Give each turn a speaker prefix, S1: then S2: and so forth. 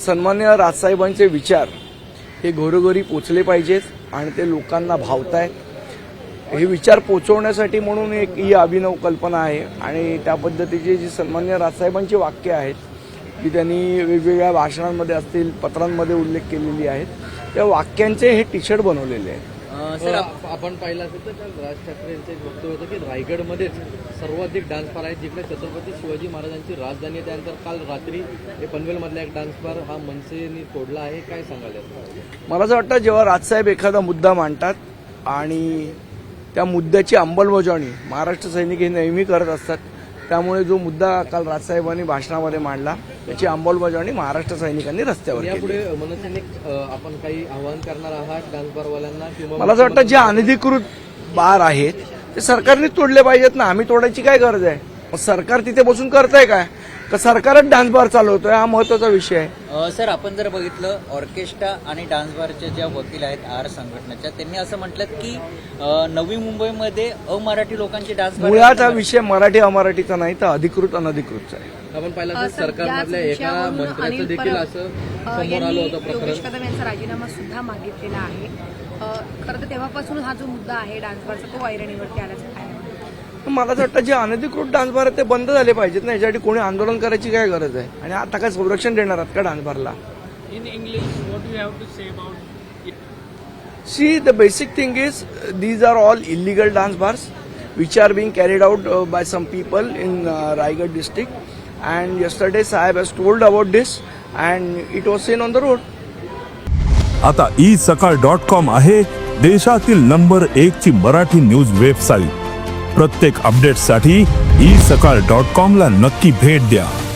S1: सन्माननीय राजसाहेबांचे विचार हे घरोघरी पोचले पाहिजेत आणि ते लोकांना भावतायत. हे विचार पोचवण्यासाठी म्हणून एक ही अभिनव कल्पना आहे आणि त्या पद्धतीची जी सन्माननीय राजसाहेबांची वाक्य आहेत की त्यांनी वेगवेगळ्या भाषणांमध्ये असतील, पत्रांमध्ये उल्लेख केलेली आहेत, त्या वाक्यांचे हे टी शर्ट बनवलेले आहेत.
S2: सर, आपण पाहिलं असेल तर राज ठाकरे यांचं एक वक्तव्य होतं की रायगडमध्येच सर्वाधिक डान्स बार आहेत, जिकडे छत्रपती शिवाजी महाराजांची राजधानी आहे. त्यानंतर काल रात्री पनवेलमधला एक डान्स बार हा मनसेने तोडला आहे. काय सांगाल?
S1: मला असं वाटतं जेव्हा राजसाहेब एखादा मुद्दा मांडतात आणि त्या मुद्द्याची अंमलबजावणी महाराष्ट्र सैनिक हे नेहमी करत असतात, त्यामुळे जो मुद्दा काल राजसाहेबांनी भाषणामध्ये मांडला त्याची अंमलबजावणी महाराष्ट्र सैनिकांनी रस्त्यावर केली.
S2: यापुढे मनसेने आपण काही आवाहन करणार आहात डान्स बारवाल्यांना किंवा
S1: मला असं वाटतं जे अनधिकृत बार आहेत ते सरकारने तोडले पाहिजेत ना. आम्ही तोडायची काय गरज आहे? मग सरकार तिथे बसून करतंय काय? का सरकारच डान्स बार चालवतोय? हा महत्वाचा विषय आहे.
S3: सर, आपण जर बघितलं ऑर्केस्ट्रा आणि डान्स बारच्या ज्या वकील आहेत आर संघटनेच्या, त्यांनी असं म्हटलं की नवी मुंबईमध्ये अमराठी लोकांची डान्स बार.
S1: मुळात हा विषय मराठी अमराठीचा नाही तर अधिकृत अनधिकृतचा आहे.
S2: आपण पाहिलं तर सरकारमधल्या एका मंत्र्याचं देखील असं समोर आलं होतं प्रकरण.
S4: योगेश कदम यांचा राजीनामा सुद्धा मागितलेला आहे. खरं तर तेव्हापासून हा जो मुद्दा आहे डान्स बारचा तो ऐरणीवरती आल्याचं काय?
S1: मला असं वाटतं जे अनधिकृत डान्स बार आहेत ते बंद झाले पाहिजेत ना. याच्यासाठी कोणी आंदोलन करायची काय गरज आहे? आणि आता काय संरक्षण देणार आहात का डान्स बारला?
S5: In English, what do you have to say about it?
S1: See, the basic thing is these are all illegal dance bars which are being carried out by some people in Raigad district, and yesterday Sahib has told about this and it was seen on the road.
S6: आता isakal.com आहे देशातील number 1 ची Marathi news website. प्रत्येक अपडेटसाठी isakal.com ला नक्की भेट द्या.